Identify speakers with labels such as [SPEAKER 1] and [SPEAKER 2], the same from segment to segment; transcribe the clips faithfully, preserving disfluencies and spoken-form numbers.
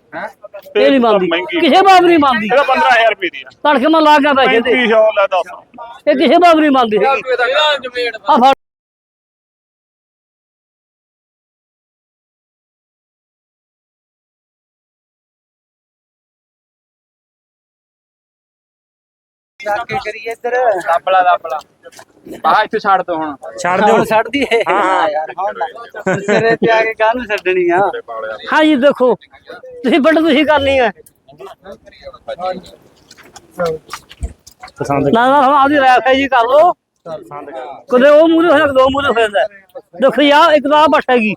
[SPEAKER 1] ਇਹ ਨਹੀਂ ਮੰਨਦੀ ਕਿਸੇ ਬਾਬ ਨਹੀਂ ਮੰਨਦੀ।
[SPEAKER 2] ਇਹਦਾ ਪੰਦਰਾਂ ਹਜ਼ਾਰ ਰੁਪਏ ਦੀ ਆ।
[SPEAKER 1] ਤੜਕੇ ਮੈਂ ਲਾ ਗਿਆ ਪੈਸੇ ਤੇ
[SPEAKER 2] ਪੈਂਤੀ ਸੌ ਲੈ ਦੱਸ।
[SPEAKER 1] ਇਹ ਕਿਸੇ ਬਾਬ ਨਹੀਂ ਮੰਨਦੀ ਹੈਗੀ। ਆ ਫੜ
[SPEAKER 3] ਕਰੀਏ ਇੱਧਰ ਦਾਬਲਾ ਦਾਬਲਾ ਬਾਹਰ ਇੱਥੇ ਛੱਡ ਦੋ ਹੁਣ
[SPEAKER 1] ਛੱਡ ਦਿਓ
[SPEAKER 3] ਛੱਡਦੀ ਹੈ ਹਾਂ ਯਾਰ ਹੁਣ ਸਿਰੇ ਤੇ ਆ ਕੇ ਕਾਹਨੂੰ ਛੱਡਣੀ ਆ।
[SPEAKER 1] ਹਾਂ ਜੀ ਦੇਖੋ ਤੁਸੀਂ ਵੱਡ ਤੁਸੀਂ ਕਰਨੀ ਹੈ ਨਾ ਨਾ ਆਦੀ ਰੈਫ ਜੀ ਕਰ ਲੋ ਕਦੇ ਉਹ ਮੂਰੇ ਹੋਇਆ ਦੋ ਮੂਰੇ ਹੋ ਜਾਂਦਾ। ਦੇਖੋ ਯਾਰ ਇੱਕ ਤਾਂ ਬੱਠ ਹੈਗੀ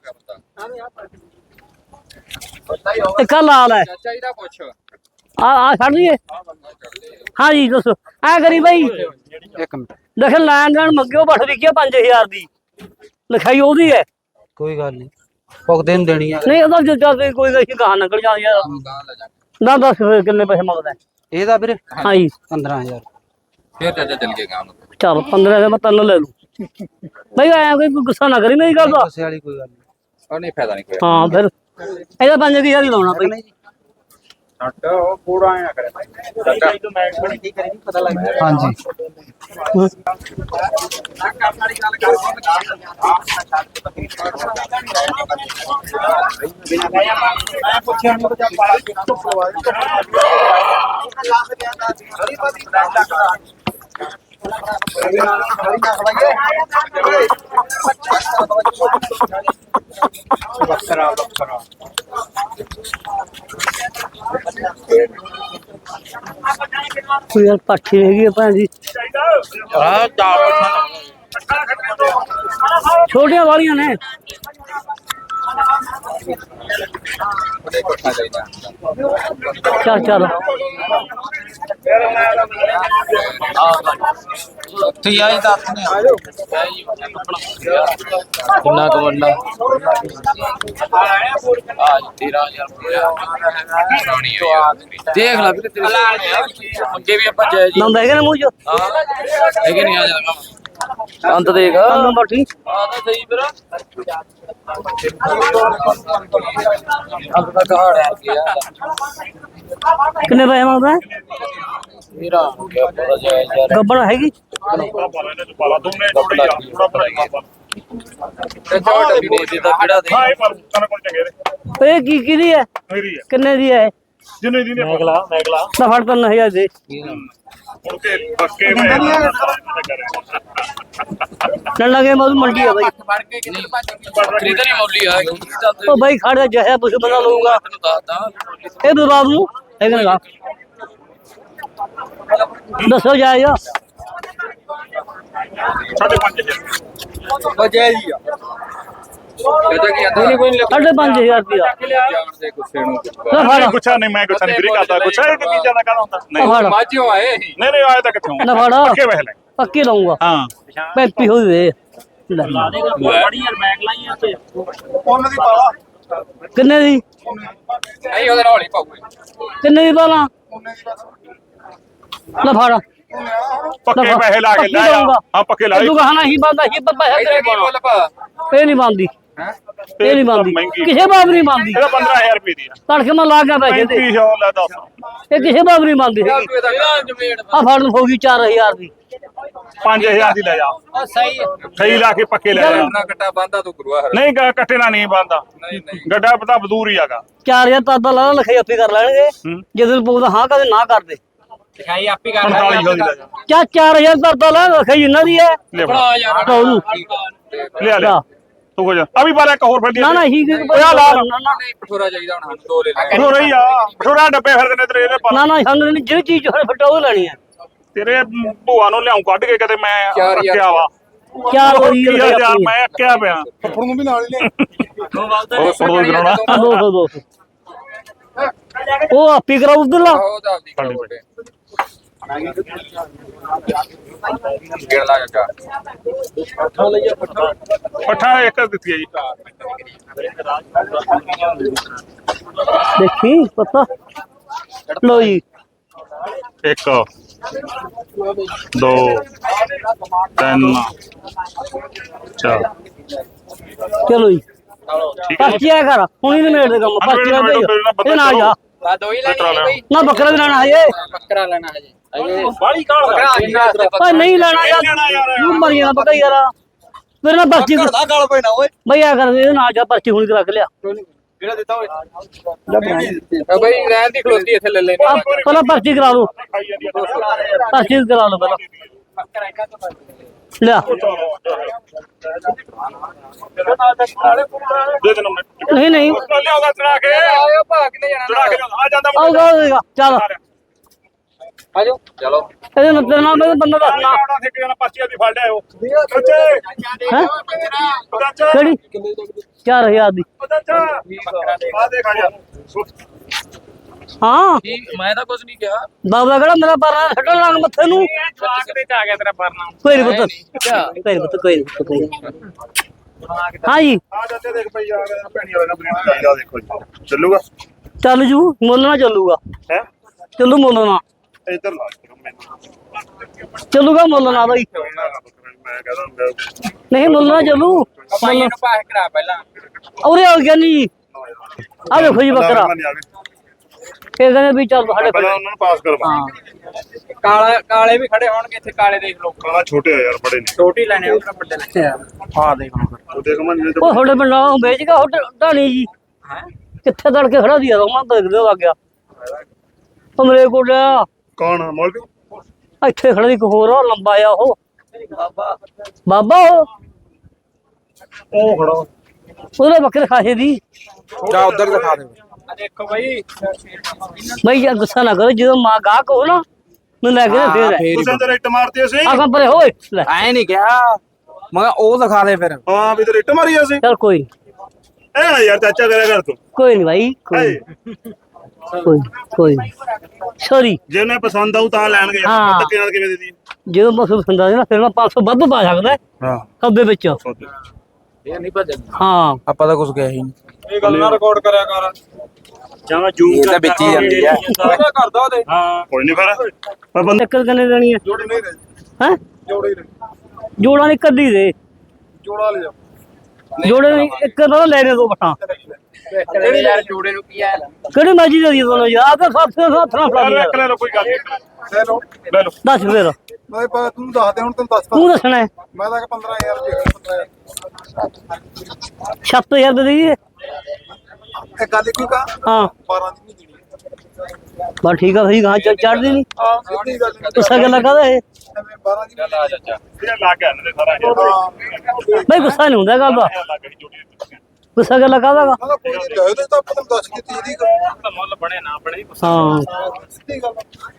[SPEAKER 1] ਇੱਕ ਲਾਲ ਹੈ
[SPEAKER 3] ਚਾਹੀਦਾ ਪੁੱਛ
[SPEAKER 1] ਆ ਆ ਛੱਡ ਦਈਏ। ਹਾਂ ਜੀ ਦੱਸੋ ਐ ਕਰੀ ਬਾਈ
[SPEAKER 3] ਇੱਕ ਮਿੰਟ
[SPEAKER 1] ਦੇਖ ਲੈਣ ਦੇਣ ਮੰਗਿਓ ਬੱਠ ਵਿਕਿਆ ਪੰਜ ਹਜ਼ਾਰ ਦੀ ਲਿਖਾਈ ਉਹਦੀ ਹੈ।
[SPEAKER 3] ਕੋਈ ਗੱਲ ਨਹੀਂ ਭੁਗਤੇ ਨੂੰ ਦੇਣੀ ਆ
[SPEAKER 1] ਨਹੀਂ ਉਹਦਾ ਜਦ ਕੋਈ ਗਈ ਕਹਾ ਨਿਕਲ ਜਾਂਦੀ ਯਾਰ ਨਾ ਦੱਸ ਫਿਰ ਕਿੰਨੇ ਪੈਸੇ ਮੰਗਦਾ
[SPEAKER 3] ਇਹਦਾ ਵੀਰੇ
[SPEAKER 1] ਹਾਂ ਜੀ
[SPEAKER 3] ਪੰਦਰਾਂ ਹਜ਼ਾਰ ਫੇਰ ਚਾਚਾ ਚੱਲ ਕੇ ਗਾਂ
[SPEAKER 1] ਚਲ ਪੰਦਰਾਂ ਦਾ ਮੈਂ ਤੈਨੂੰ ਲੈ ਲੂ ਬਈ ਐ ਕੋਈ ਗੁੱਸਾ ਨਾ ਕਰੀ ਮੇਰੀ ਗੱਲ ਦਾ।
[SPEAKER 3] ਗੁੱਸੇ ਵਾਲੀ ਕੋਈ ਗੱਲ ਨਹੀਂ ਉਹ ਨਹੀਂ ਫਾਇਦਾ ਨਹੀਂ ਕੋਈ
[SPEAKER 1] ਹਾਂ ਫਿਰ ਇਹਦਾ ਪੰਜ ਹਜ਼ਾਰ ਹੀ ਲਾਉਣਾ ਬਈ।
[SPEAKER 3] ਛੱਡ ਉਹ ਪੂਰਾ ਆਇਆ ਕਰੇ ਕੀ ਕਰੀ ਪਤਾ ਲੱਗ ਗਿਆ। ਹਾਂਜੀ ਪੁੱਛਿਆ ਨਹੀਂ ਤਾਂ ਪਾਲਾ ਕਿੱਥੋਂ ਬੱਕਰਾ ਬੱਕਰਾ
[SPEAKER 1] ਕੋਈ ਯਾਰ ਪਾਠੀ ਹੈਗੀ ਆ ਭੈਣ ਜੀ
[SPEAKER 3] ਆ ਚਾਰ
[SPEAKER 1] ਛੋਟੀਆਂ ਵਾਲੀਆਂ ਨੇ ਚੱਲ ਚੱਲ
[SPEAKER 3] ਉੱਥੇ ਆਈ ਦੱਸ ਨੇ ਕਿੰਨਾ ਕਮੰਡਾ ਆ ਤੇਰਾਂ ਹਜ਼ਾਰ ਦੇਖ ਲੈ ਵੀਰੇ ਤੇਰੇ ਅੱਗੇ ਵੀ ਆਪਾਂ ਜੈ ਜੀ
[SPEAKER 1] ਨੰਦ ਹੈਗੇ ਨੇ ਮੂੰਹ ਚ
[SPEAKER 3] ਹਾਂ ਹੈਗੇ ਨਹੀਂ ਆ ਜਾਣਾ ਅੰਤ ਦੇਖ
[SPEAKER 1] ਨੰਬਰ ਠੀਕ
[SPEAKER 3] ਆ ਤਾਂ ਸਹੀ ਵੀਰ ਅੰਤ ਦਾ ਕਹਾੜ ਆ ਗਿਆ
[SPEAKER 1] ਕਿੰਨੇ ਪੈਸੇ ਮੰਗਦਾ
[SPEAKER 3] ਮੇਰਾ ਕਿਆ ਪਤਾ ਜੈ ਯਾਰ
[SPEAKER 1] ਗੱਬੜ ਹੈਗੀ
[SPEAKER 2] ਪਾਲਾ ਦੋਨੇ ਜੋੜੀ ਆ ਥੋੜਾ ਬੜਾ
[SPEAKER 3] ਤੇ ਛੋਟਾ ਵੀ ਦੇ ਦਿੱਤਾ ਕਿਹੜਾ ਦੇ
[SPEAKER 2] ਹਾਂ ਇਹ ਪਰ ਤਨ ਕੋਲ ਚੰਗੇ ਨੇ
[SPEAKER 1] ਇਹ ਕੀ ਕਿਹਦੀ ਹੈ
[SPEAKER 2] ਮੇਰੀ ਆ
[SPEAKER 1] ਕਿੰਨੇ ਦੀ ਹੈ
[SPEAKER 2] ਜਿੰਨੇ ਦੀ ਨੇ ਮੈਗਲਾ ਮੈਗਲਾ
[SPEAKER 1] ਤਾਂ ਫੜ ਤਿੰਨ ਹਜ਼ਾਰ ਦੇ
[SPEAKER 2] ਹੁਣ ਤੇ ਪੱਕੇ ਮੈਂ
[SPEAKER 1] ਚੱਲ ਲਗੇ ਮੋਦ ਮੰਡੀ ਆ ਬਾਈ
[SPEAKER 3] ਬਣ ਕੇ ਕਿੰਨੇ ਖਰੀਦਣ ਹੀ ਮੌਲੀ ਆ
[SPEAKER 1] ਉਹ ਬਾਈ ਖੜ ਜਾ ਜਹਿਆ ਪੁੱਛ ਬੰਦਾ ਲਊਗਾ
[SPEAKER 3] ਤੈਨੂੰ ਦੱਸਦਾ
[SPEAKER 1] ਇਹ ਬਰਬਾਦ ਨੂੰ ਹੈਗਾ ਨਾ ਦੱਸੋ ਜਾਇਓ
[SPEAKER 2] ਸਾਢੇ ਪੰਜ ਹਜ਼ਾਰ
[SPEAKER 3] ਉਹ ਜੈ ਜੀ ਆ ਕਹਦਾ ਕੀ ਆਂਦਾ ਨਹੀਂ ਕੋਈ ਨਹੀਂ
[SPEAKER 1] ਸਾਢੇ ਪੰਜ ਹਜ਼ਾਰ ਰੁਪਇਆ
[SPEAKER 3] ਜਾਣਦੇ ਗੁੱਸੇ ਨੂੰ
[SPEAKER 1] ਲੈ ਫੜ
[SPEAKER 2] ਗੁੱਛਾ ਨਹੀਂ ਮੈਂ ਗੁੱਛਾ ਨਹੀਂ ਵੀਰੇ ਕਰਦਾ ਗੁੱਛਾ ਇਹ ਕੀ ਚੀਜ਼ਾਂ ਦਾ ਕਹਦਾ ਹੁੰਦਾ ਨਹੀਂ
[SPEAKER 1] ਫੜ
[SPEAKER 3] ਮਾਝਿਓ ਆਏ ਸੀ
[SPEAKER 2] ਨਹੀਂ ਨਹੀਂ ਆਇਆ ਤਾਂ ਕਿੱਥੋਂ
[SPEAKER 1] ਨਾ ਫੜ
[SPEAKER 2] ਪੱਕੇ ਵਹਿ ਲੈ
[SPEAKER 1] ਪੱਕੀ ਲਾਉਂਗਾ
[SPEAKER 2] ਹਾਂ
[SPEAKER 1] ਪੈਂਤੀ ਹੋ ਦੇ ਲੈ
[SPEAKER 2] ਉਹਨਾਂ ਦੀ ਪਾਲਾ
[SPEAKER 1] ਕਿੰਨੇ ਦੀ
[SPEAKER 3] ਨਹੀਂ ਉਹਦੇ ਨਾਲ ਹੀ ਪਾਉਗੇ
[SPEAKER 1] ਕਿੰਨੇ ਦੀ ਬਾਲਾ ਲੈ ਫੜ
[SPEAKER 2] ਪੱਕੇ ਪੈਸੇ ਲਾ ਕੇ ਲੈ ਆ ਹਾਂ ਪੱਕੇ ਲਾ
[SPEAKER 1] ਤੂੰ ਕਹਣਾ ਹੀ ਬੰਦਾ ਹੀ ਪਰ ਪੈਸੇ ਤੇਰੇ
[SPEAKER 3] ਕੀ ਮੁੱਲ ਪਾ
[SPEAKER 1] ਇਹ ਨਹੀਂ ਬੰਦੀ
[SPEAKER 3] ਹੈ
[SPEAKER 1] ਇਹ ਨਹੀਂ ਬੰਦੀ ਕਿਸੇ ਬਾਬ ਨਹੀਂ ਬੰਦੀ
[SPEAKER 2] ਇਹਦਾ ਪੰਦਰਾਂ ਹਜ਼ਾਰ ਰੁਪਏ ਦੀ ਆ।
[SPEAKER 1] ਤੜਕੇ ਮੈਂ ਲਾ ਗਿਆ ਪੈਸੇ ਤੇ
[SPEAKER 2] ਪੈਂਤੀ ਸੌ ਲੈ ਦੱਸ।
[SPEAKER 1] ਇਹ ਕਿਸੇ ਬਾਬ ਨਹੀਂ ਬੰਦੀ ਹੈਗੀ
[SPEAKER 3] ਤੂੰ ਇਹਦਾ ਜਮੇੜ
[SPEAKER 1] ਆ ਫੜ ਹੋ ਗਈ ਚਾਰ ਹਜ਼ਾਰ ਦੀ
[SPEAKER 2] ਪੰਜ ਹਜ਼ਾਰ ਦੀ ਲੈ ਜਾ
[SPEAKER 3] ਉਹ ਸਹੀ
[SPEAKER 2] ਸਹੀ ਲਾ ਕੇ ਪੱਕੇ ਲੈ ਜਾ
[SPEAKER 3] ਨਾ ਕੱਟਾ ਬੰਦਾ ਤੂੰ ਗੁਰੂਆ ਹਰ
[SPEAKER 2] ਨਹੀਂ ਗ- ਕੱਟੇ ਨਾਲ ਨਹੀਂ ਬੰਦਾ
[SPEAKER 3] ਨਹੀਂ ਨਹੀਂ
[SPEAKER 2] ਗੱਡਾ ਪਤਾ ਬਦੂਰ ਹੀ ਆਗਾ
[SPEAKER 1] ਚਾਰ ਹਜ਼ਾਰ ਤਾਂ ਅੱਧਾ ਲਾ ਲਿਖਾਈ ਆਪੇ ਕਰ ਲੈਣਗੇ ਜਦੋਂ ਪਊਦਾ ਹਾਂ ਕਦੇ ਨਾ ਕਰਦੇ
[SPEAKER 3] ਲਿਖਾਈ ਆਪੀ ਕਰ
[SPEAKER 2] ਪੰਤਾਲੀ ਸੌ ਦੀ ਲੈ ਜਾ
[SPEAKER 1] ਚਾ ਚਾਰ ਹਜ਼ਾਰ ਤਾਂ ਅੱਧਾ ਲਾ ਲਿਖਾਈ ਇਹਨਾਂ ਦੀ ਹੈ
[SPEAKER 2] ਲੈ ਫੜਾ।
[SPEAKER 3] ਬਣਾ ਯਾਰ
[SPEAKER 1] ਤਾਂ ਉਹਨੂੰ
[SPEAKER 2] ਲਿਆ ਲਿਆ ਤੂੰ ਹੋ ਜਾ ਆ ਵੀ ਬਾਲਾ ਇੱਕ ਹੋਰ ਫੜ
[SPEAKER 1] ਨਾ ਨਾ ਹੀ
[SPEAKER 2] ਓਏ ਲਾ ਲਾ।
[SPEAKER 3] ਨਹੀਂ ਪਠੋਰਾ ਚਾਹੀਦਾ ਹੁਣ ਸਾਨੂੰ ਦੋ ਲੈ ਲੈ
[SPEAKER 2] ਹੋ ਰਹੀ ਆ ਥੋੜਾ ਡੱਬੇ ਫਿਰਦੇ ਨੇ ਤੇਰੇ ਇਹਦੇ ਪਰ
[SPEAKER 1] ਨਾ ਨਾ ਸਾਨੂੰ ਨਹੀਂ ਜਿਹੜੀ ਚੀਜ਼ ਹੋਵੇ ਫਟਾ ਉਹ ਲੈਣੀ ਹੈ
[SPEAKER 2] ਤੇਰੇ ਭੂਆ ਨੂੰ ਲਿਆਉਂ ਕੱਢ ਕੇ ਕਦੇ ਮੈਂ
[SPEAKER 3] ਚਾਰ ਹਜ਼ਾਰ
[SPEAKER 2] ਰੱਖਿਆ ਵਾ
[SPEAKER 1] ਚਾਰ
[SPEAKER 2] ਹੋਰ
[SPEAKER 1] ਹੋਈ
[SPEAKER 2] ਕੀ ਹਜ਼ਾਰ ਮੈਂ ਅੱਕਿਆ ਪਿਆ
[SPEAKER 4] ਫੁੱਫੜ ਨੂੰ ਵੀ ਨਾਲ ਹੀ ਲੈ
[SPEAKER 2] ਉਹ ਫੜੋ ਕਰਾਉਣਾ
[SPEAKER 1] ਦੋ ਸੌ ਦੋ ਸੌ ਉਹ ਆਪੀ ਕਰਾਉ ਉਧਰਲਾ
[SPEAKER 3] ਉਹ ਤਾਂ ਆਪਦੀ ਕਰੋ ਬੋਟੇ ਗੇੜ ਲਾ ਜਾ
[SPEAKER 2] ਪੱਠਾ ਇੱਕ ਦਿੱਤੀ ਹੈ ਜੀ
[SPEAKER 1] ਦੇਖੀ ਪਤਾ ਲੋ ਜੀ
[SPEAKER 2] ਇੱਕ ਦੋ ਤਿੰਨ ਚਾਰ
[SPEAKER 1] ਚਲੋ ਜੀ
[SPEAKER 2] ਠੀਕ ਹੈ
[SPEAKER 1] ਪਰਚੀ ਆ ਕਰ ਹੁਣੀ ਨਹੀਂ ਮੇੜ ਦੇ ਕੰਮ ਪਰਚੀ ਆ ਦੇ ਇਹ ਨਾ ਜਾ
[SPEAKER 3] ਆ ਦੋ ਹੀ ਲੈਣੀ ਹੈ ਬਈ
[SPEAKER 1] ਨਾ ਬੱਕਰਾ ਵੀ ਲੈਣਾ ਹੈ
[SPEAKER 3] ਬੱਕਰਾ ਲੈਣਾ ਹੈ ਜੀ ਅਜੇ
[SPEAKER 2] ਬਾਲੀ ਕਾਲ
[SPEAKER 1] ਓਏ ਨਹੀਂ ਲੈਣਾ ਯਾਰ ਤੂੰ ਮਰ ਜਾਣਾ ਪਤਾ ਯਾਰ ਮੇਰੇ ਨਾਲ ਪਰਚੀ
[SPEAKER 3] ਦਾ ਗਾਲ ਪੈਣਾ ਓਏ
[SPEAKER 1] ਬਈ ਆ ਕਰ ਇਹ ਨਾ ਜਾ ਪਰਚੀ ਹੁਣੀ ਰੱਖ ਲਿਆ
[SPEAKER 3] ਕਿਹੜਾ ਦਿੱਤਾ ਓਏ ਆ ਬਈ ਰਹਿਣ ਦੀ ਖਲੋਤੀ ਇੱਥੇ ਲੈ ਲੈ
[SPEAKER 1] ਆ, ਪਹਿਲਾਂ ਪਰਚੀ ਕਰਾ ਲਓ ਪਰਚੀ ਕਰਾ ਲਓ ਪਹਿਲਾਂ
[SPEAKER 3] ਬੱਕਰਾ ਇੱਕ ਤੋਂ
[SPEAKER 1] ਲਿਆ
[SPEAKER 2] ਦੇ ਦੇ ਨੰਬਰ
[SPEAKER 1] ਨਹੀਂ ਨਹੀਂ
[SPEAKER 2] ਲਿਆਉਗਾ ਚੜਾ ਕੇ
[SPEAKER 3] ਆਇਓ ਭਾ ਕਿਨੇ
[SPEAKER 2] ਚੜਾ ਕੇ
[SPEAKER 3] ਜਾਣਾ
[SPEAKER 2] ਆ ਜਾਂਦਾ
[SPEAKER 1] ਆਊਗਾ ਆਊਗਾ ਚੱਲ
[SPEAKER 3] ਆਜੋ ਚਲੋ
[SPEAKER 1] ਇਹਦੇ ਨਾਲ ਤੇਰੇ ਨਾਲ ਮੈਨੂੰ ਬੰਦਾ ਦੱਸਣਾ
[SPEAKER 2] ਆਉਣਾ ਠੇਕੇ ਜਾਣਾ ਪਰਚੀ ਦੀ ਫੜ ਲਿਆਓ ਬੱਚੇ
[SPEAKER 1] ਹੈ
[SPEAKER 2] ਚਾਚਾ
[SPEAKER 1] ਕਿਹੜੀ ਚਾਰ ਹਜ਼ਾਰ ਦੀ
[SPEAKER 2] ਚਾਚਾ ਆ ਦੇਖ ਆ ਜਾ
[SPEAKER 1] ਹਾਂ
[SPEAKER 3] ਕੀ ਮੈਂ ਤਾਂ ਕੁਝ ਨਹੀਂ ਕਿਹਾ
[SPEAKER 1] ਬਾਬਾ ਕਿਹੜਾ ਮੇਰਾ ਪਰਨਾ ਛੱਡਣ ਲੱਗ ਮੱਥੇ ਨੂੰ
[SPEAKER 3] ਜਵਾਕ ਤੇ ਆ ਗਿਆ ਤੇਰਾ ਪਰਨਾ
[SPEAKER 1] ਕੋਈ ਨਹੀਂ ਪੁੱਤ ਕੋਈ ਨਹੀਂ ਪੁੱਤ ਕੋਈ ਨਹੀਂ ਪੁੱਤ, ਕੋਈ ਨੀ। ਹਾਂ ਜੀ
[SPEAKER 2] ਆ ਜਾਂਦੇ ਦੇਖ ਪਈ ਆ ਗਿਆ ਭੈਣੀ ਵਾਲਾ ਬ੍ਰੇਕ ਚਾਹੀਦਾ ਦੇਖੋ ਜੀ ਚੱਲੂਗਾ
[SPEAKER 1] ਚੱਲ ਜੂ ਮੁੱਲ ਨਾ ਚੱਲੂਗਾ
[SPEAKER 2] ਹੈ
[SPEAKER 1] ਚੱਲੂ ਮੁੱਲ ਨਾ
[SPEAKER 2] ਇੱਧਰ ਲਾ ਕੇ ਮੈਨੂੰ
[SPEAKER 1] ਚੱਲੂਗਾ ਮੁੱਲ ਨਾ ਬਈ
[SPEAKER 2] ਮੈਂ ਕਹਦਾ ਹੁੰਦਾ
[SPEAKER 1] ਨਹੀਂ ਮੁੱਲ ਨਾ ਚੱਲੂ
[SPEAKER 3] ਭਾਈ ਨੂੰ ਪਾਸ ਕਰਾ ਪਹਿਲਾਂ
[SPEAKER 1] ਉਰੇ ਆ ਗਿਆ ਨਹੀਂ ਆ ਵੇਖੋ ਜੀ ਬੱਕਰਾ ਇਹ ਕਹਿੰਦੇ ਵੀ ਚੱਲ ਸਾਡੇ
[SPEAKER 2] ਪਹਿਲਾਂ ਉਹਨਾਂ ਨੂੰ ਪਾਸ ਕਰਵਾ
[SPEAKER 1] ਹਾਂ
[SPEAKER 3] ਕਾਲਾ ਕਾਲੇ ਵੀ ਖੜੇ ਹੋਣਗੇ ਇੱਥੇ ਕਾਲੇ ਦੇਖ ਲਓ
[SPEAKER 2] ਕਾਲਾ ਛੋਟੇ ਆ ਯਾਰ ਬੜੇ ਨੇ
[SPEAKER 3] ਛੋਟੀ ਲੈਣੇ ਉਹਨਾਂ ਵੱਡੇ ਲੈਣੇ ਆ ਦੇਖ
[SPEAKER 2] ਉਹ ਦੇਖ ਮੈਂ ਜਿਹੜੇ
[SPEAKER 1] ਉਹ ਤੁਹਾਡੇ ਪਿੰਡਾਂ ਨੂੰ ਵੇਚ ਗਿਆ ਹੋਟਲ ਢਾਣੀ ਜੀ
[SPEAKER 3] ਹੈ
[SPEAKER 1] ਕਿੱਥੇ ਤੜ ਕੇ ਖੜਾ ਦੀ ਯਾਰ ਮੈਂ ਦੇਖਦੇ ਹੋ ਆ ਗਿਆ ਕਮਰੇ ਕੋਲਿਆ
[SPEAKER 2] ਕੌਣ ਮੌਲਵੀ
[SPEAKER 1] ਇੱਥੇ ਖੜਾ ਦੀ ਇੱਕ ਹੋਰ ਆ, ਲੰਬਾ ਆ ਉਹ
[SPEAKER 3] ਬਾਬਾ
[SPEAKER 1] ਬਾਬਾ ਉਹ
[SPEAKER 2] ਉਹ ਖੜਾ
[SPEAKER 1] ਉਹਦੇ ਬੱਕਰੇ ਖਾਸੇ ਦੀ
[SPEAKER 3] ਜਾ ਉਧਰ ਦਿਖਾ ਦੇ ਆ ਦੇਖੋ ਬਾਈ
[SPEAKER 1] ਬਈ ਯਾਰ ਗੁੱਸਾ ਨਾ ਕਰੋ ਜਦੋਂ ਮਾਂ ਗਾਹਕ ਹੋ ਨਾ ਮੈਨੂੰ ਲੈ ਕੇ ਨਾ ਫੇਰ ਹੈ
[SPEAKER 2] ਤੁਸੀਂ ਅੰਦਰ ਇੱਟ ਮਾਰਤੀ ਅਸੀਂ
[SPEAKER 1] ਆ ਕੰਮ ਪਰੇ ਹੋਏ ਲੈ
[SPEAKER 3] ਐ ਨਹੀਂ ਕਿਹਾ ਮੈਂ ਕਿਹਾ ਉਹ ਦਿਖਾ ਦੇ ਫਿਰ
[SPEAKER 2] ਹਾਂ ਵੀ ਤੇ ਇੱਟ ਮਾਰੀ ਅਸੀਂ
[SPEAKER 1] ਚੱਲ ਕੋਈ ਨੀ,
[SPEAKER 2] ਐ ਨਾ ਯਾਰ ਚਾਚਾ ਕਰਿਆ ਕਰ ਤੂੰ
[SPEAKER 1] ਕੋਈ ਨਹੀਂ ਭਾਈ ਕੋਈ ਨੀ, ਕੋਈ ਨੀ, ਕੋਈ ਸੌਰੀ
[SPEAKER 2] ਜੇ ਉਹਨੇ ਪਸੰਦ ਆਉ ਤਾਂ ਲੈਣਗੇ
[SPEAKER 1] ਹਾਂ।
[SPEAKER 2] ਯਾਰ ਧੱਕੇ ਨਾਲ ਕਿਵੇਂ ਦੇਦੀ
[SPEAKER 1] ਜਦੋਂ ਮੈਂ ਪਸੰਦ ਆ ਨਾ ਫਿਰ ਮੈਂ ਪੰਜ ਸੌ ਵੱਧ ਪਾ ਸਕਦਾ
[SPEAKER 2] ਹਾਂ
[SPEAKER 1] ਸੌਦੇ ਵਿੱਚ
[SPEAKER 3] ਇਹ ਨਹੀਂ ਭੱਜਣ
[SPEAKER 1] ਹਾਂ
[SPEAKER 3] ਆਪਾਂ ਤਾਂ ਕੁਝ ਕਿਹਾ ਹੀ ਨਹੀਂ ਇਹ ਗੱਲ ਨਾ ਰਿਕਾਰਡ ਕਰਿਆ ਕਰ
[SPEAKER 2] ਜਾਂ ਜੂਮ
[SPEAKER 3] ਇਹ ਤਾਂ ਵਿੱਚ ਹੀ ਜਾਂਦੀ ਆ ਉਹਦਾ ਕਰਦਾ ਉਹਦੇ
[SPEAKER 2] ਹਾਂ ਕੋਈ ਨਹੀਂ ਫਿਰ ਪਰ ਬੰਦੇ
[SPEAKER 1] ਚੱਕਰ ਕਿੰਨੇ ਦੇਣੀ ਹੈ
[SPEAKER 2] ਜੋੜੇ ਨਹੀਂ ਰਹੇ
[SPEAKER 1] ਹੈ
[SPEAKER 2] ਜੋੜੇ ਹੀ ਰਹੇ
[SPEAKER 1] ਜੋੜਾ ਨਹੀਂ ਕੱਢੀ ਦੇ
[SPEAKER 2] ਜੋੜਾ ਲੈ ਜਾ
[SPEAKER 1] ਜੋੜੇ ਨਹੀਂ ਇੱਕ ਤਾਂ ਲੈ ਨੇ ਦੋ ਬਟਾ
[SPEAKER 3] ਕਿਹੜੇ ਯਾਰ ਜੋੜੇ ਨੂੰ ਕੀ ਆ
[SPEAKER 1] ਕਿਹੜੀ ਮਰਜ਼ੀ ਦੇ ਦੀ ਦੋਨੋਂ ਯਾਰ ਤਾਂ ਸੱਤ ਸੌ ਸੱਤ ਨਾ ਫੜਾ
[SPEAKER 2] ਲੈ
[SPEAKER 1] ਦੇ
[SPEAKER 2] ਲੈ ਲਓ ਕੋਈ ਗੱਲ ਨਹੀਂ ਲੈ ਲਓ ਲੈ ਲਓ
[SPEAKER 1] ਦੱਸ ਫੇਰ
[SPEAKER 4] ਮੈਂ ਪਾ ਤੂੰ ਦੱਸ ਦੇ ਹੁਣ ਤੈਨੂੰ ਦੱਸਦਾ
[SPEAKER 1] ਤੂੰ ਦੱਸਣਾ ਹੈ
[SPEAKER 4] ਮੈਂ ਤਾਂ ਕਿ ਪੰਦਰਾਂ ਹਜ਼ਾਰ ਰੁਪਏ ਪੰਦਰਾਂ
[SPEAKER 1] ਸੱਤ ਹਜ਼ਾਰ ਦੇ ਦੇਈਏ
[SPEAKER 4] ਇਹ ਗੱਲ ਕਿਉਂ ਕਾ
[SPEAKER 1] ਹਾਂ
[SPEAKER 4] ਬਾਰਾਂ ਦੀ ਨਹੀਂ ਦੇਣੀ
[SPEAKER 1] ਬਸ ਠੀਕ ਆ ਭਾਈ ਗਾਂ ਚੜ ਚੜਦੀ ਨਹੀਂ
[SPEAKER 4] ਹਾਂ ਸਿੱਧੀ ਗੱਲ
[SPEAKER 1] ਗੁੱਸਾ ਗੱਲਾਂ ਕਾਹਦਾ ਇਹ
[SPEAKER 4] ਐਵੇਂ ਬਾਰਾਂ ਦੀ
[SPEAKER 3] ਚੱਲ ਆ ਚਾਚਾ
[SPEAKER 2] ਇਹ ਲਾ ਕੇ ਆਨੇ ਸਾਰਾ ਇਹ
[SPEAKER 1] ਬਈ ਗੁੱਸਾ ਨਹੀਂ ਹੁੰਦਾ ਗੱਲ ਦਾ
[SPEAKER 2] ਲਾ ਕੇ ਜੋੜੀ ਦਿੱਤੀ
[SPEAKER 1] ਗੁੱਸਾ ਗੱਲਾਂ ਕਾਹਦਾ ਗਾ
[SPEAKER 4] ਮੈਂ ਕਿਹਾ ਕੋਈ ਨਹੀਂ ਲੈ ਦੇ ਤਾਂ ਆਪਾਂ ਤੈਨੂੰ ਦੱਸ ਕੇ ਤੀਹ ਦੀ ਗੱਲ
[SPEAKER 2] ਮੁੱਲ ਬਣੇ ਨਾ ਬਣੇ
[SPEAKER 1] ਹਾਂ
[SPEAKER 4] ਸਿੱਧੀ ਗੱਲ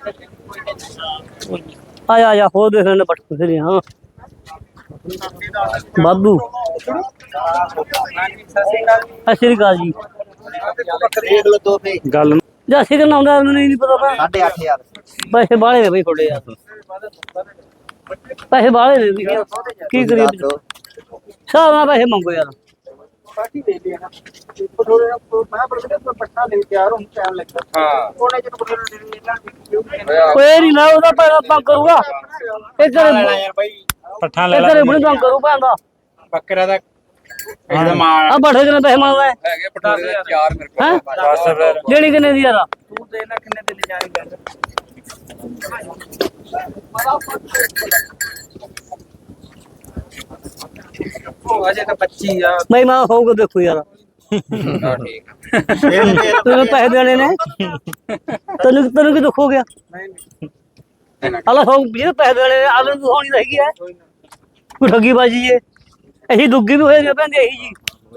[SPEAKER 1] ਆਇਆ ਆਇਆ ਹੋ ਦੇਖ ਲੈਣੇ ਪੱਟ ਫਿਰ ਹਾਂ ਬਾਬੂ ਸਤਿ ਸ਼੍ਰੀ ਅਕਾਲ ਜੀ
[SPEAKER 3] ਦੇਖ ਲੋ ਦੋ ਤੇ
[SPEAKER 2] ਗੱਲ
[SPEAKER 1] ਜਾਸੀ ਕਰਨਾ ਹੁੰਦਾ ਮੈਨੂੰ ਨਹੀਂ ਪਤਾ ਪਾ
[SPEAKER 3] ਸਾਢੇ ਅੱਠ ਹਜ਼ਾਰ
[SPEAKER 1] ਪੈਸੇ ਬਾਹਲੇ ਨੇ ਬਈ ਥੋੜੇ ਯਾਰ ਪੈਸੇ ਬਾਹਲੇ ਨੇ ਵੀ ਕੀ ਕਰੀਏ ਹਿਸਾਬ ਨਾਲ ਪੈਸੇ ਮੰਗੋ ਯਾਰ
[SPEAKER 4] ਬਾਕੀ ਦੇ ਲਿਆ ਨਾ ਥੋੜੇ ਮੈਂ ਪਰ ਪੱਟਾ ਲੈ ਕੇ ਆ ਰਹਾ ਹੂੰ ਟਾਈਮ ਲੱਗਦਾ
[SPEAKER 3] ਹਾਂ
[SPEAKER 4] ਕੋਨੇ ਚ ਬੋਲੇ ਦੇ ਇਹਨਾਂ
[SPEAKER 1] ਕੋਈ ਨਹੀਂ ਨਾ ਉਹਦਾ ਪੈਸਾ ਤੰਗ ਕਰੂਗਾ ਇਹ ਕਰੇ
[SPEAKER 3] ਯਾਰ ਬਾਈ
[SPEAKER 2] ਪੱਠਾ
[SPEAKER 1] ਇਹ ਕਰੇ ਬਣੀ ਤੰਗ ਕਰੂ ਪੈਂਦਾ
[SPEAKER 3] ਬੱਕਰਾ ਦਾ ਇਹਦਾ ਮਾਲ
[SPEAKER 1] ਆ ਬੜੇ ਕਿਨੇ ਪੈਸੇ ਮੰਗਦਾ ਹੈ
[SPEAKER 3] ਹੈਗੇ ਪਟਾਰੇ ਦੇ ਚਾਰ ਮੇਰੇ ਕੋਲ
[SPEAKER 1] ਹੈਂ?
[SPEAKER 3] ਬਸ ਫਿਰ
[SPEAKER 1] ਜਿਹੜੀ ਕਿਨੇ ਦੀ ਯਾਰ
[SPEAKER 3] ਤੂੰ ਦੇ ਨਾ ਕਿੰਨੇ ਦੇ ਲਿਜਾਣੀ ਗੱਲ ਉਹ ਅਜੇ ਤਾਂ ਪੱਚੀ ਆ
[SPEAKER 1] ਬਈ ਮੈਂ ਹੋਊਗਾ ਦੇਖੋ ਯਾਰ
[SPEAKER 3] ਹਾਂ ਠੀਕ
[SPEAKER 1] ਤੈਨੂੰ ਪੈਸੇ ਦੇਣੇ ਨੇ ਤੈਨੂੰ ਤੈਨੂੰ ਕੀ ਦੁੱਖ ਹੋ ਗਿਆ ਹਲਾ ਹੋ ਜਿਹੜੇ ਪੈਸੇ ਦੇਣੇ ਨੇ ਆਲੂ ਨੂੰ ਹੋਣੀ ਰਹੀ ਹੈ ਕੋਈ ਠੱਗੀ ਬਾਜੀ ਏ ਅਸੀਂ ਦੁੱਗੀ ਵੀ ਹੋਏ ਨੇ ਪੈਂਦੇ ਇਹੀ ਜੀ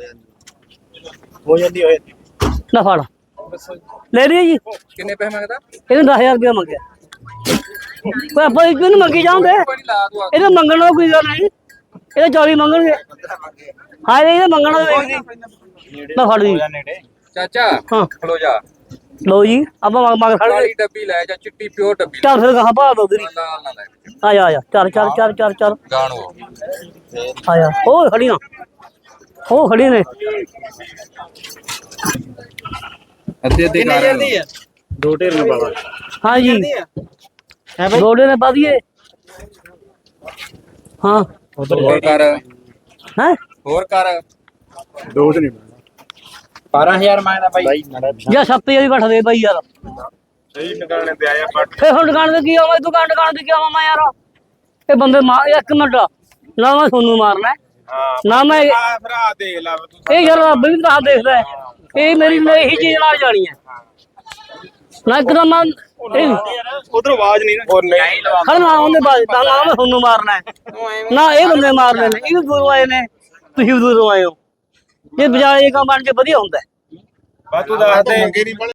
[SPEAKER 2] ਹੋ ਜਾਂਦੀ ਹੋਏ
[SPEAKER 1] ਨਾ ਫੜ ਲੈ ਰਹੀ ਜੀ
[SPEAKER 3] ਕਿੰਨੇ ਪੈਸੇ ਮੰਗਦਾ
[SPEAKER 1] ਇਹਨੇ ਦਸ ਹਜ਼ਾਰ ਰੁਪਇਆ ਮੰਗਿਆ ਕੋਈ ਆਪਾਂ ਇਹਨੂੰ ਨੀ ਮੰਗੀ ਜਾਂਦੇ
[SPEAKER 3] ਕੋਈ ਨਹੀਂ ਲਾ ਦੂ
[SPEAKER 1] ਇਹਨੇ ਮੰਗਣ ਦਾ ਕੋਈ ਗੱਲ ਨਹੀਂ ਇਹਦੇ ਚੌਵੀ ਮੰਗਣਗੇ ਹਾਂ ਇਹਨੇ ਮੰਗਣਾ ਤਾਂ ਵੇਖਦੀ ਨਾ ਫੜ ਜੀ
[SPEAKER 3] ਚਾਚਾ
[SPEAKER 1] ਹਾਂ
[SPEAKER 3] ਖਲੋ ਜਾ
[SPEAKER 1] ਲਓ ਜੀ ਆਪਾਂ ਮੰਗ ਮੰਗ ਖੜ ਗਏ
[SPEAKER 3] ਕਾਲੀ ਡੱਬੀ ਲੈ ਜਾ ਚਿੱਟੀ ਪਿਓਰ ਡੱਬੀ
[SPEAKER 1] ਚੱਲ ਫਿਰ ਕਹਾਂ ਪਾ ਦੋ ਤੇਰੀ
[SPEAKER 3] ਲਾਲ ਨਾ ਲੈ
[SPEAKER 1] ਆ ਜਾ ਆ ਜਾ ਚੱਲ ਚੱਲ ਚੱਲ ਚੱਲ ਚੱਲ
[SPEAKER 3] ਗਾਣੋ
[SPEAKER 1] ਆ ਜਾ ਉਹ ਖੜੀਆਂ ਉਹ ਖੜੀ ਨੇ
[SPEAKER 3] ਅੱਧੇ ਅੱਧੇ ਕਰ ਦੀ
[SPEAKER 2] ਦੋ ਢੇਰ ਨੇ ਬਾਬਾ
[SPEAKER 1] ਹਾਂ ਜੀ ਗੋਡੇ ਨੇ ਪਾ ਦਈਏ ਹਾਂ
[SPEAKER 3] ਹੋਰ ਕਰ
[SPEAKER 1] ਹੈ
[SPEAKER 3] ਹੋਰ ਕਰ ਦੋਸ਼ ਨਹੀਂ ਬਾਰਾਂ ਹਜ਼ਾਰ ਮੰਗਦਾ ਬਾਈ
[SPEAKER 1] ਜਾਂ ਸੱਤ ਹਜ਼ਾਰ ਹੀ ਘੱਟ ਦੇ ਬਾਈ ਯਾਰ
[SPEAKER 3] ਸਹੀ ਨਿਕਾਲਣੇ ਤੇ ਆਇਆ ਬੱਟ
[SPEAKER 1] ਫੇ ਹੁਣ ਦੁਕਾਨ ਤੇ ਕੀ ਆਵਾਂ ਦੁਕਾਨ ਦੁਕਾਨ ਤੇ ਕੀ ਆਵਾਂ ਮੈਂ ਯਾਰ ਇਹ ਬੰਦੇ ਮਾਰ ਇੱਕ ਮਿੰਟ ਨਾ ਮੈਂ ਤੁਹਾਨੂੰ ਮਾਰਨਾ ਹੈ,
[SPEAKER 3] ਹਾਂ
[SPEAKER 1] ਨਾ ਮੈਂ
[SPEAKER 3] ਆ ਭਰਾ ਦੇਖ ਲਾ ਤੂੰ
[SPEAKER 1] ਇਹ ਯਾਰ ਰੱਬ ਵੀ ਤਾਂ ਦੇਖਦਾ ਹੈ। ਇਹ ਮੇਰੀ ਲਈ ਇਹੀ ਚੀਜ਼ ਨਾਲ ਜਾਣੀ ਹੈ ਨਾ ਇੱਕਦਮ ਮੈਂ ਇਹ
[SPEAKER 2] ਉਧਰ ਆਵਾਜ਼ ਨਹੀਂ ਨਾ
[SPEAKER 3] ਉਹ ਨਹੀਂ ਲਵਾ
[SPEAKER 1] ਖੜ ਨਾ ਉਹਨੇ ਬਾਅਦ ਤਾਂ ਨਾ ਮੈਂ ਤੁਹਾਨੂੰ ਮਾਰਨਾ ਹੈ ਨਾ ਇਹ ਬੰਦੇ ਮਾਰਨੇ ਨੇ ਇਹ ਵੀ ਦੂਰੋਂ ਆਏ ਨੇ ਤੁਸੀਂ ਵੀ ਦੂਰੋਂ ਆਏ ਹੋ ਇਹ ਬਜਾਏ ਇਹ ਕੰਮ ਬਣ ਕੇ ਵਧੀਆ ਹੁੰਦਾ ਹੈ।
[SPEAKER 3] ਬਾ ਤੂੰ ਦੱਸ ਦੇ